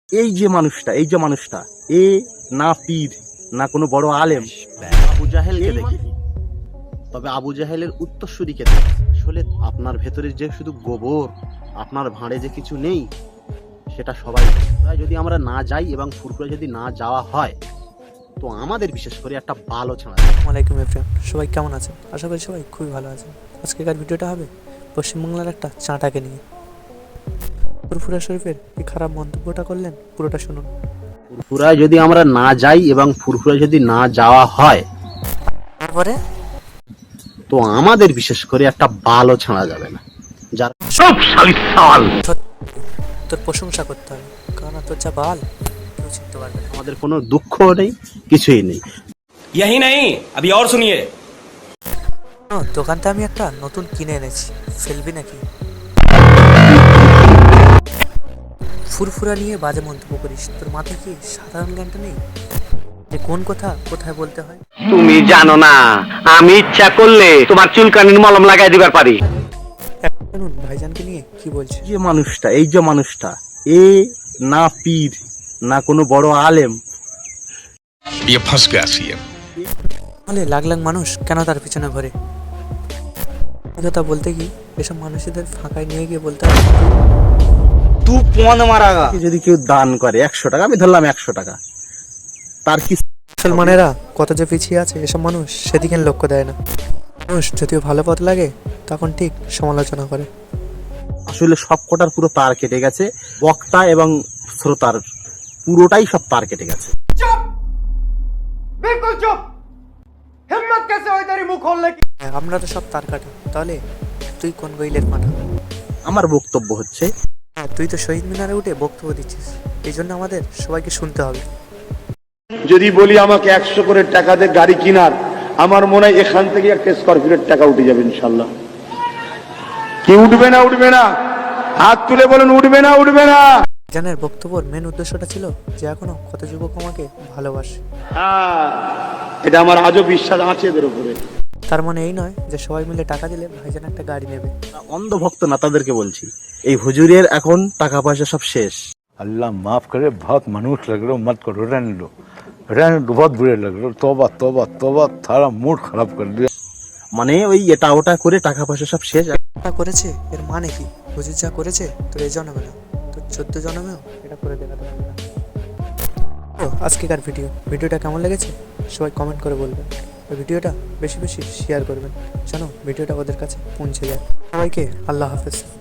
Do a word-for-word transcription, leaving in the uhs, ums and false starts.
এই যে মানুষটা এই যে মানুষটা এ না পীর না কোনো বড় আলেম। আবু জাহেলকে দেখিনি, তবে আবু জাহেলের উত্তরসূরিকে দেখি। আসলে আপনার ভেতরে যে শুধু গোবর, আপনার ভাঁড়ে যে কিছু নেই সেটা সবাই জানে। যদি আমরা না যাই এবং ফুরফুরা যদি না যাওয়া হয় তো আমাদের বিশেষ করে একটা ভালো ছাড়া। আসসালামাইকুম এভরিওয়ান, সবাই কেমন আছেন? আশা করি সবাই খুবই ভালো আছেন। আজকেকার ভিডিওটা হবে পশ্চিমবাংলার একটা চাঁটাকে নিয়ে। ফুরফুরা শরীফের কি খারাপ মন্তব্যটা করলেন পুরোটা শুনুন। ফুরফুরায় যদি আমরা না যাই এবং ফুরফুরা যদি না যাওয়া হয় তারপরে তো আমাদের বিশেষ করে একটা ভালো ছাড়া যাবে না। যার তোর প্রশংসা করতে হবে, কারণ তোর যা বাল কেউ চিনতে পারবে না। আমাদের কোনো দুঃখ নেই, কিছুই নেই। यही नहीं, अभी और सुनिए। ও, দোকানটা আমি একটা নতুন কিনে এনেছি, ফেলবি নাকি? ফুরফুরা নিয়ে বাজে মন্তব্য করিস, তোর মাথায় কি সাধারণ জ্ঞানটা নেই যে কোন কথা কোথায় বলতে হয়? তুমি জানো না, আমি ইচ্ছা করলে তোমার চুলকানির মলম লাগাই দিবার পারি। শুনুন ভাইজানকে নিয়ে কি বলছে। এই যে মানুষটা এই যে মানুষটা এ না পীর না কোনো বড় আলেম। ये फंस गया सीएम। তাহলে লাখ লাখ মানুষ কেন তার পিছনে ঘোরে? এই কথা বলতে কি এসব মানুষদের ফাঁকায় নিয়ে গিয়ে বলতে হবে তুই পন মারাগা। যদি কেউ দান করে একশো টাকা, আমি ধরলাম একশো টাকা, তার কি মুসলমানেরা কত যে পিছিয়ে আছে এসব মানুষ সেদিকে লক্ষ্য দেয় না। মানুষ যদিও ভালো পথ লাগে তখন ঠিক সমালোচনা করে। আসলে সব কটার পুরো তার কেটে গেছে, বক্তা এবং শ্রোতার পুরোটাই সব তার কেটে গেছে। बिल्कुल चुप। हिम्मत कैसे हुई तेरी मुंह खोलने की? হ্যাঁ, আমরা তো সব তার কাটা, তাহলে তুই কোন গইলের মাথা? আমার বক্তব্য হচ্ছে হ্যাঁ, তুই তো শহীদ মিনারে উঠে বক্তব্য দিচ্ছিস, এই জন্য আমাদের সবাইকে শুনতে হবে। যদি বলি আমাকে একশো করে টাকা দিয়ে গাড়ি কিনার, আমার মনে হয় এখান থেকে একটা স্করপিওর টাকা উঠে যাবে ইনশাল্লাহ। কি উঠবে না উঠবে না? হাত তুলে বলেন উঠবে না উঠবে না? জানের বক্তব্যের মেন উদ্দেশ্যটা ছিল যে এখনো কত যুবক আমাকে ভালোবাসে। হ্যাঁ, এটা আমার আজও বিশ্বাস আছে এদের উপরে। তার মানে এই নয় যে সবাই মিলে টাকা দিলে ভাইজান একটা গাড়ি নেবে। অন্ধভক্ত না তাদেরকে বলছি, এই হুজুরের এখন টাকা পয়সা সব শেষ। अल्लाह माफ करे, बहुत मनुष्य लग रहे हो, मत करो, रहने लो रहने लो, बहुत बुरे लग रहे हो। तौबा तौबा तौबा, थारा मूड खराब कर दिया। মানে ওই এটা ওটা করে টাকা পয়সা সব শেষ। এটা করেছে এর মানে কি? হুজুর যা করেছে তোর এই জন্মে না, তোর চোদ্দ জন্মেও এটা করে দেখাতে পারবে না। ও আজকেকার ভিডিও ভিডিওটা কেমন লেগেছে সবাই কমেন্ট করে বলবেন, আর ভিডিওটা বেশি বেশি শেয়ার করবেন যেন ভিডিওটা ওদের কাছে পৌঁছে যায়। সবাইকে আল্লাহ হাফেজ।